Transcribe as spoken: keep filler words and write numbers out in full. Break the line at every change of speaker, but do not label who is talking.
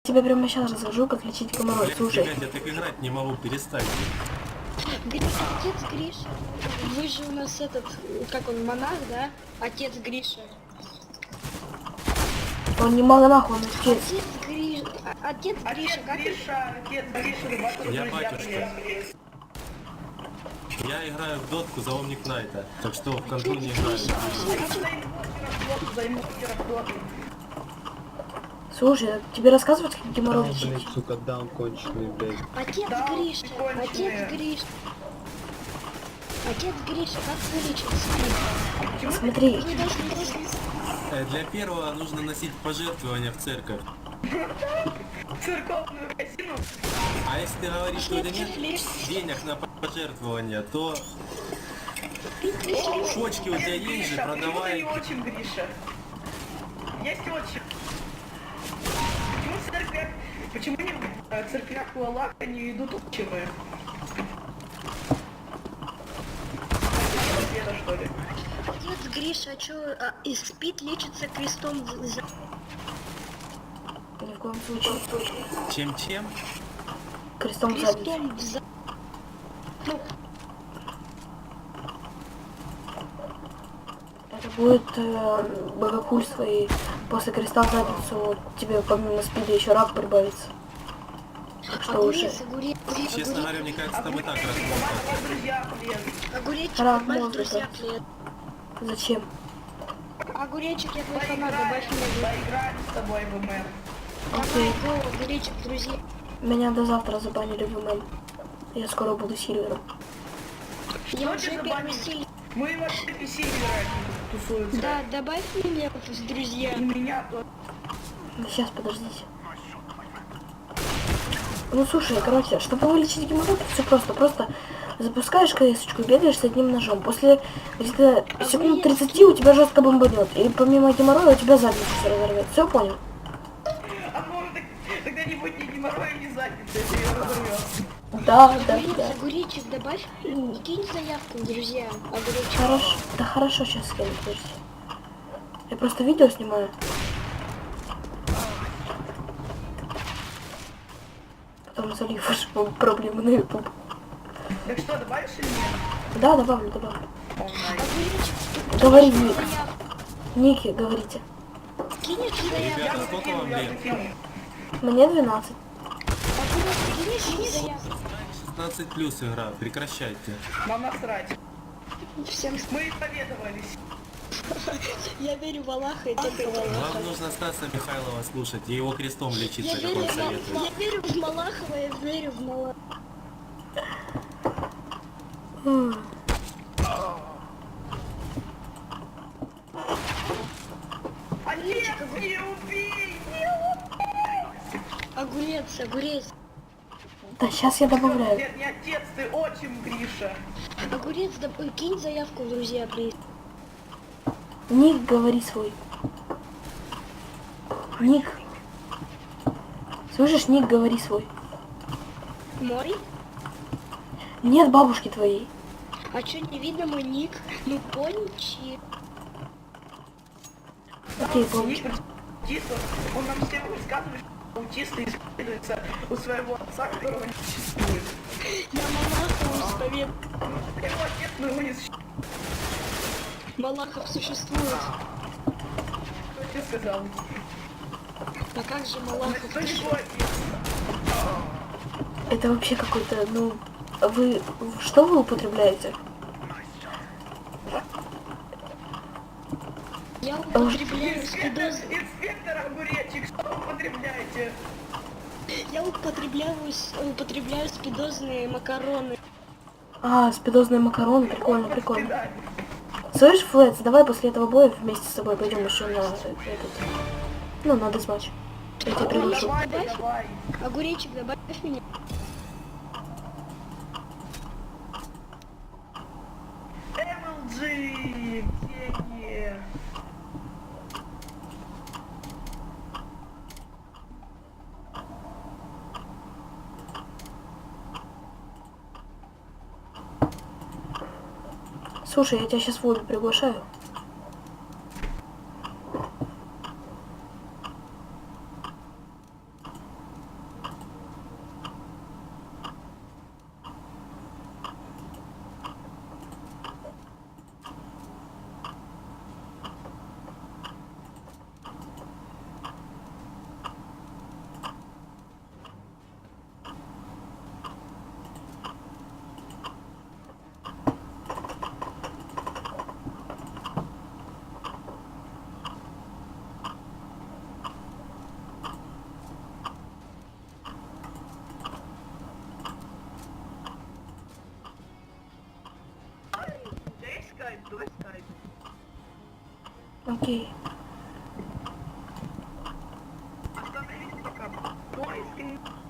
тебе прямо сейчас расскажу, как лечить геморрой. Слушай.
Блядь, я так играть не могу, перестать.
Отец Гриша, вы же у нас этот, как он, монах, да? Отец Гриша.
Он не монах, он отец.
Отец Гриша, отец Гриша, как
Гриша, отец Гриша,
Я батюшка. Я играю в дотку за Омник Найта, так что в контроль не играю.
Слушай, тебе рассказывать, как геморрой
Да,
лечить?
блядь, сука, даун конченый, блядь.
Отец
Да,
Гриша,
прикольные.
отец Гриша. Отец Гриша, как вылечить?
Смотри,
Вы должны, должны...
Э, Для первого нужно носить пожертвования в церковь.
Церковную казину.
А если ты говоришь, что у тебя нет денег на пожертвования, то почки у тебя есть же,
Гриша, почему ты
продавай.
не очень Гриша? Есть очень. Почему в церквях, почему не в церквях у Аллаха не идут отчимы? Это что ли?
Отец Гриша, а чё, а, и спит, лечится крестом в- за...
ни в коем случае.
Чем-чем?
Крестом в задницу.
крестом в за... Ну,
Это будет э, богохульство, и после креста в задницу тебе помимо спида еще рак прибавится. Так что уже.
огурец, огурец,
Честно
огурец,
говоря, мне кажется, там и так рассмотрим.
Давай, друзья, блин.
огуречек,
Рак
добавь в
мозга,
друзья,
да.
привет.
Зачем?
Огуречек, я твой фанат,
Поиграем,
добавь меня в...
поиграем с тобой в ММ.
Давай, го, огуречек, друзья.
Меня до завтра забанили в ММ. Я скоро буду сильвером.
Я
Что
уже
тебе
первый
забанили?
силь.
Мы вообще все играть тусуются.
Да, добавь меня в друзья.
И меня тоже.
Сейчас, подождите. Ну слушай, короче, чтобы вылечить геморрой, все просто. Просто запускаешь КС-очку, бегаешь с одним ножом. После где-то секунд тридцати у тебя жестко бомбанет. И помимо геморроя у тебя задницу все разорвет. Все понял?
А может так, тогда не будет ни геморроя, ни задницы, если ее разорвет.
Да, да,
Огурец,
да.
огуречек, добавь и кинь заявку в друзья. Огуречек.
Хорошо. Да хорошо, сейчас скину, подожди. Я просто видео снимаю. Потом залив ваши проблемы на YouTube.
Так что, добавишь или нет?
Да, добавлю, добавлю.
Огуречек,
Говори,
кинешь
Ник.
заявку.
Ники, говорите.
Кинешь заявку.
Ребята, сколько вам
Я
лет?
закину.
Мне двенадцать.
Огурец, кинешь заявку.
шестнадцать плюс игра, прекращайте.
Нам насрать.
Всем
Мы исповедовались.
я верю в Аллаха и только в Аллаха.
Вам нужно Стаса Михайлова слушать и его крестом
Я
лечиться, как
верю,
он
в,
советует.
я верю в Малахова, я верю в Малахова.
М.
Отец, не убей!
Огурец, огурец.
Да, сейчас я добавляю.
Нет, не отец, ты отчим, Гриша.
Огурец, да, ой, кинь заявку в друзья, плиз.
Ник, говори свой. Ник. Слышишь, Ник, говори свой.
Мой?
Нет бабушки твоей.
А чё, не видно мой ник? Ну, пончи.
Окей, помню.
Ник аутист, он- он нам всем рассказывает, что аутисты исповедуются у своего отца, которого не существует.
Я Малахова исповед.
Его отец, но его не существует.
Малахов существует.
Кто тебе сказал?
А как же Малахов?
Кто не твой отец?
Это вообще какой-то, ну... Вы... Что вы употребляете?
Я употребляю
Инспектор,
спидоз...
инспектор Огуречек, что вы употребляете?
Я употребляю, с- употребляю спидозные макароны.
А, спидозные макароны, прикольно, прикольно.
Свидание.
Слышь, Флетс, давай после этого боя вместе с тобой пойдем еще на этот... Ну, на дезматч. Я тебя приглашу.
Давай, давай.
Огуречек, добавь меня.
эм эл джи, деньги.
Слушай, я тебя сейчас в лобби приглашаю.
скайп, давай скайп.
Окей.
Остановись пока. Поиск